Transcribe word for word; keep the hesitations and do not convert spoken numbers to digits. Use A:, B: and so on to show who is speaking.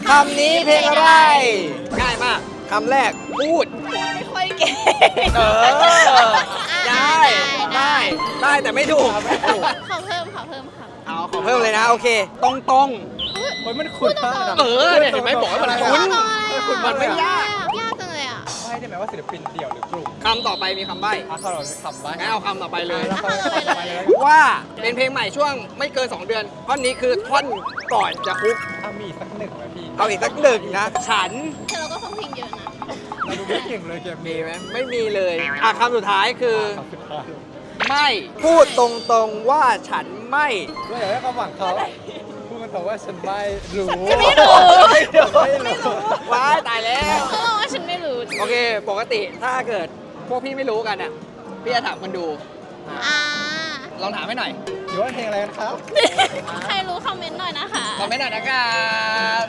A: คำนี้เพลงอะไร ง่ายมากคำแรกพูด
B: ไม่ค่อยเก่ง
A: เออ ได้ ได้ ได้แต่ไม่ถูก
B: ขอเพิ่มขอเพิ่มค่ะ
A: เอาขอเพิ่มเลยนะ โอเค ตรงตรง
C: โอ้ยมันคุ้นมากนะ
A: เออเนี่ยเห็นไหมบอกให้มันคุ้น มันไม่ยาก
B: ยากจังเลยอ่ะ
C: ใช่ได้ไหมว่าศิลปินเดี่ยวหรือกลุ่ม
A: คำต่อไปมีคำใบ้
C: อ่ะเขาเราคำใบ้
A: งั้นเอาคำต่อไปเลย
C: แล้วก็ไปเลย
A: ว่าเป็นเพลงใหม่ช่วงไม่เกิน สอง เดือน ท่อนนี้คือท่อนก่อนจะคุก
C: อ่ะมีสักหนึ่งไหมพี่
A: เอาอีกสักหนึ่งนะ ฉัน
B: แต่เราก็ฟังเพลงเยอะนะ
C: เราดูไม่เก่งเลยเกม
A: มี
C: นี้
A: ไหมไม่มีเลย อ่ะคำสุดท้ายคือ
C: คำสุดท้าย
A: ไม่พูดตรงๆว่าฉันไม่
C: เราอยากได้ความหวังเขาพูดกันต่อว่าฉันไม่รู้
B: ฉันไม่รู้
C: ไม่รู้
A: ว้ายตายแล้ว
B: เขาบอกว่าฉันไม่รู้
A: โอเค ปกติถ้าเกิดพวกพี่ไม่รู้กันอ่ะ พี่จะถามคนดู
B: อ่า
A: ลองถามให้หน่อย
C: อยู่ว่าเพลงอะไรกันครับ
B: ใครรู้คอมเมนต์หน่อยนะคะ
A: คอมเมนต์หน่อยนะครับ